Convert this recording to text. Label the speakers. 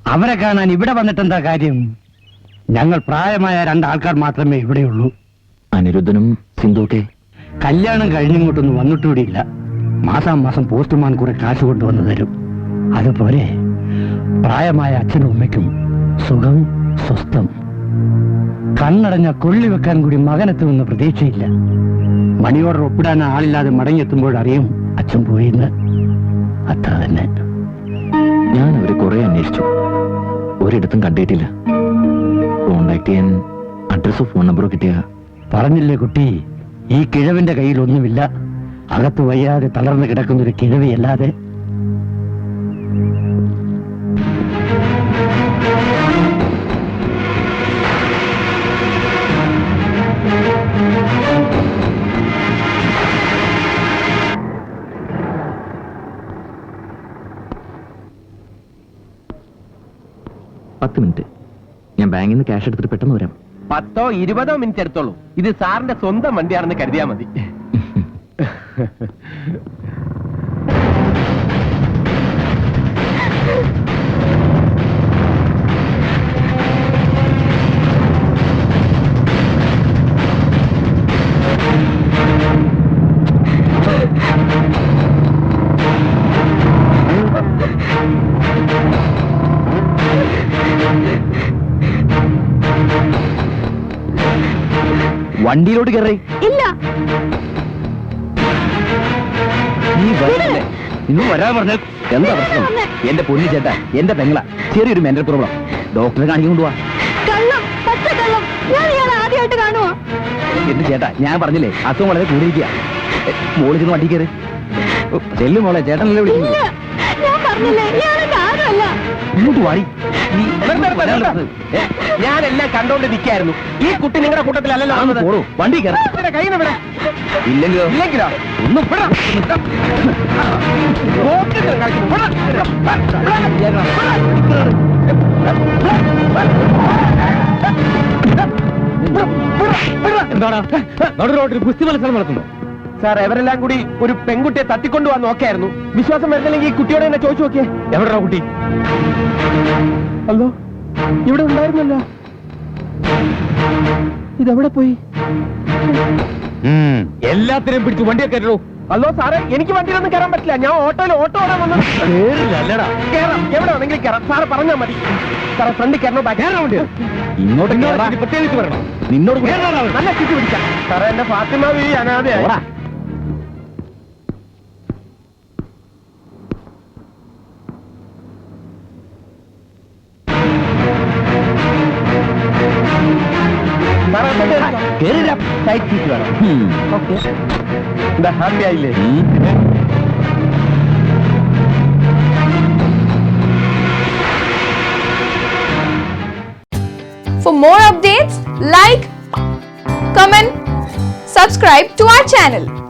Speaker 1: അവരെ കാണാൻ ഇവിടെ വന്നിട്ടെന്താ കാര്യം? ഞങ്ങൾ പ്രായമായ രണ്ടാൾക്കാർ മാത്രമേ ഇവിടെയുള്ളൂ.
Speaker 2: അനിരുദ്ധനും സിന്ധുക്കെ
Speaker 1: കല്യാണം കഴിഞ്ഞിങ്ങോട്ടൊന്നും വന്നിട്ടുകൂടിയില്ല. മാസാമാസം പോസ്റ്റ്മാൻ കുറെ കാശ് കൊണ്ടുവന്ന് തരും. അതുപോലെ പ്രായമായ അച്ഛനും അമ്മയ്ക്കും സുഖം സ്വസ്ഥം. കണ്ണടഞ്ഞ കൊള്ളി വെക്കാൻ കൂടി മകനെത്തുമെന്ന് പ്രതീക്ഷയില്ല. മണി ഓർഡർ ഒപ്പിടാൻ ആളില്ലാതെ മടങ്ങിയെത്തുമ്പോഴറിയും അച്ഛൻ പോയിന്ന്. അത്ര തന്നെ.
Speaker 2: ഞാൻ അവരെ കുറെ അന്വേഷിച്ചു, ഒരിടത്തും കണ്ടിട്ടില്ല. കോണ്ടാക്ട് ചെയ്യാൻ അഡ്രസ്സോ ഫോൺ നമ്പറോ കിട്ടിയ?
Speaker 1: പറഞ്ഞില്ലേ കുട്ടി, ഈ കിഴവിന്റെ കയ്യിൽ ഒന്നുമില്ല. അകത്ത് വയ്യാതെ തളർന്നു കിടക്കുന്നൊരു കിഴവിയല്ലാതെ.
Speaker 2: മിനിറ്റ്, ഞാൻ ബാങ്കിൽ നിന്ന് ക്യാഷ് എടുത്തിട്ട് പെട്ടെന്ന് വരാം.
Speaker 3: 10-20 മിനിറ്റ് എടുത്തോളൂ. ഇത് സാറിന്റെ സ്വന്തം വണ്ടിയാണെന്ന് കരുതിയാ മതി.
Speaker 2: വണ്ടിയിലോട്ട് കയറി.
Speaker 4: ഇല്ല,
Speaker 2: നീ വരില്ലേ? ഇന്ന് വരാൻ പറഞ്ഞ എന്താ പ്രശ്നം? എന്റെ പൊന്നു ചേട്ടാ, എന്റെ പെങ്ങള, ചെറിയൊരു മെന്റൽ പ്രോബ്ലം. ഡോക്ടറെ കാണിക്കാൻ കൊണ്ടുപോവാ.
Speaker 4: കള്ളം, പച്ചക്കള്ളം. ഞാൻ ഇയാളെ ആദ്യമായിട്ട് കാണുവാ.
Speaker 2: എന്റെ ചേട്ടാ, ഞാൻ പറഞ്ഞില്ലേ അസുഖം വളരെ കൂടിയിരിക്കുക. മോളിൽ ചെന്ന് വണ്ടി കയറി. ചെല്ലു മോളെ, ചേട്ടനല്ലേ വിളിക്കുന്നു.
Speaker 4: ഇല്ല, ഞാൻ പറഞ്ഞില്ലേ ഇയാളെ ആരുമല്ല.
Speaker 2: ഇങ്ങോട്ട് വാടി.
Speaker 3: ഞാനെല്ലാം കണ്ടോണ്ട് നിൽക്കായിരുന്നു. ഈ കുട്ടി നിങ്ങളുടെ കൂട്ടത്തിലല്ലല്ലോ.
Speaker 2: പോടോ, വണ്ടി കയറി.
Speaker 3: കൈ
Speaker 2: ഇല്ലെങ്കിലോ?
Speaker 3: ഇല്ലെങ്കിലോ
Speaker 2: ഒന്നും
Speaker 1: ഗുസ്തി മത്സരം നടത്തുന്നു.
Speaker 3: സാർ, എവരെല്ലാം കൂടി ഒരു പെൺകുട്ടിയെ തട്ടിക്കൊണ്ടുപോകാൻ നോക്കായിരുന്നു. വിശ്വാസം വരുന്നില്ലെങ്കിൽ ഈ കുട്ടിയോട് എന്നെ ചോദിച്ചു നോക്കിയേ.
Speaker 1: എവിടെയാ കുട്ടി?
Speaker 3: അല്ലോ, ഇവിടെ ഉണ്ടായിരുന്നല്ലോ. ഇതെവിടെ പോയി?
Speaker 1: എല്ലാത്തിനെയും പിടിച്ച് വണ്ടിയെ കയറ്റോ.
Speaker 3: അല്ലോ സാറേ, എനിക്ക് വണ്ടിയിലൊന്നും കയറാൻ പറ്റില്ല. ഞാൻ ഓട്ടോയിൽ ഓട്ടോ ഓടാൻ വന്നത്.
Speaker 1: അല്ലടാ,
Speaker 3: കയറാം, എവിടെ വേണമെങ്കിലും കയറാം. സാറ് പറഞ്ഞാൽ മതി. സാറേ, ഫ്രണ്ടിൽ കയറണോ ബാക്ക് കയറാൻ വേണ്ടി?
Speaker 2: ഇങ്ങോട്ട്
Speaker 1: പ്രത്യേകിച്ച് വരണം.
Speaker 2: നിന്നോട്
Speaker 3: നല്ല ചുറ്റി പിടിക്കാം. സാറേ, എന്റെ ഫാത്തിമ ഈ അനാഥയായി.
Speaker 2: ടൈറ്റ് സീറ്റ് വേണം.
Speaker 3: ഓക്കെ, എന്താ ഹാപ്പി ആയില്ലേ?
Speaker 5: For more updates, like, comment, subscribe to our channel.